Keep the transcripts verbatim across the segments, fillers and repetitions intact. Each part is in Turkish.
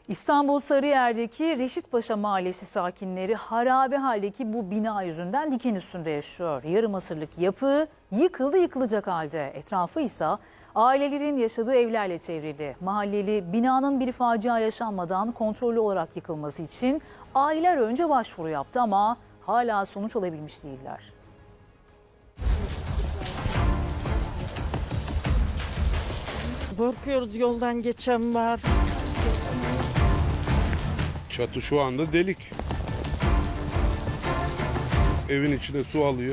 İstanbul Sarıyer'deki Reşitpaşa Mahallesi sakinleri harabe haldeki bu bina yüzünden diken üstünde yaşıyor. Yarım asırlık yapı yıkıldı yıkılacak halde. Etrafı ise ailelerin yaşadığı evlerle çevrildi. Mahalleli binanın bir facia yaşanmadan kontrollü olarak yıkılması için aileler önce başvuru yaptı ama hala sonuç alabilmiş değiller. Korkuyoruz, yoldan geçen var. Çatı şu anda delik. Evin içine su alıyor.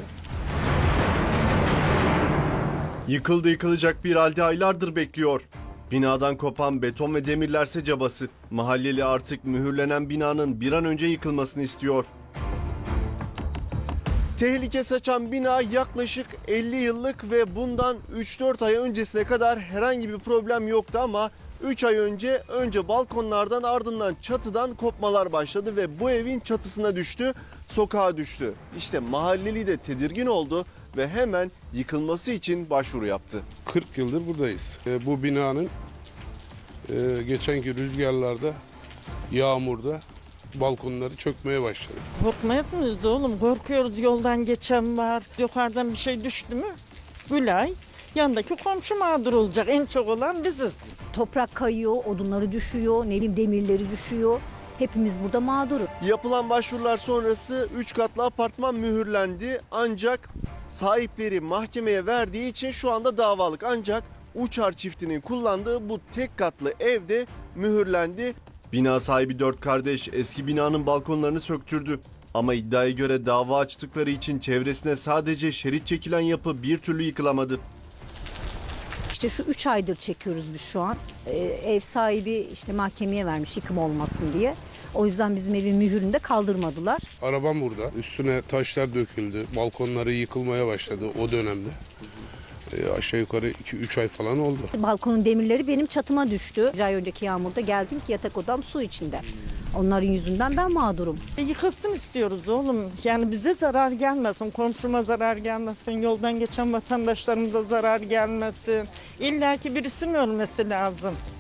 Yıkıldı yıkılacak bir halde aylardır bekliyor. Binadan kopan beton ve demirlerse cabası. Mahalleli artık mühürlenen binanın bir an önce yıkılmasını istiyor. Tehlike saçan bina yaklaşık elli yıllık ve bundan üç dört ay öncesine kadar herhangi bir problem yoktu ama üç ay önce önce balkonlardan ardından çatıdan kopmalar başladı ve bu evin çatısına düştü, sokağa düştü. İşte mahalleli de tedirgin oldu ve hemen yıkılması için başvuru yaptı. kırk yıldır buradayız. E, bu binanın e, geçenki rüzgarlarda, yağmurda balkonları çökmeye başladı. Korkmayız mıyız oğlum? Korkuyoruz, yoldan geçen var. Yukarıdan bir şey düştü mü? Gülay, yandaki komşu mağdur olacak. En çok olan biziz. Toprak kayıyor, odunları düşüyor, ne bileyim demirleri düşüyor. Hepimiz burada mağduruz. Yapılan başvurular sonrası üç katlı apartman mühürlendi ancak sahipleri mahkemeye verdiği için şu anda davalık. Ancak Uçar çiftinin kullandığı bu tek katlı evde mühürlendi. Bina sahibi dört kardeş eski binanın balkonlarını söktürdü. Ama iddiaya göre dava açtıkları için çevresine sadece şerit çekilen yapı bir türlü yıkılamadı. İşte şu üç aydır çekiyoruz biz şu an. Ee, ev sahibi işte mahkemeye vermiş yıkım olmasın diye. O yüzden bizim evin mühürünü de kaldırmadılar. Arabam burada. Üstüne taşlar döküldü. Balkonları yıkılmaya başladı o dönemde. E, aşağı yukarı iki üç ay falan oldu. Balkonun demirleri benim çatıma düştü. Bir ay önceki yağmurda geldim ki yatak odam su içinde. Onların yüzünden ben mağdurum. E, yıkılsın istiyoruz oğlum. Yani bize zarar gelmesin, komşuma zarar gelmesin, yoldan geçen vatandaşlarımıza zarar gelmesin. İlla ki birisinin ölmesi lazım.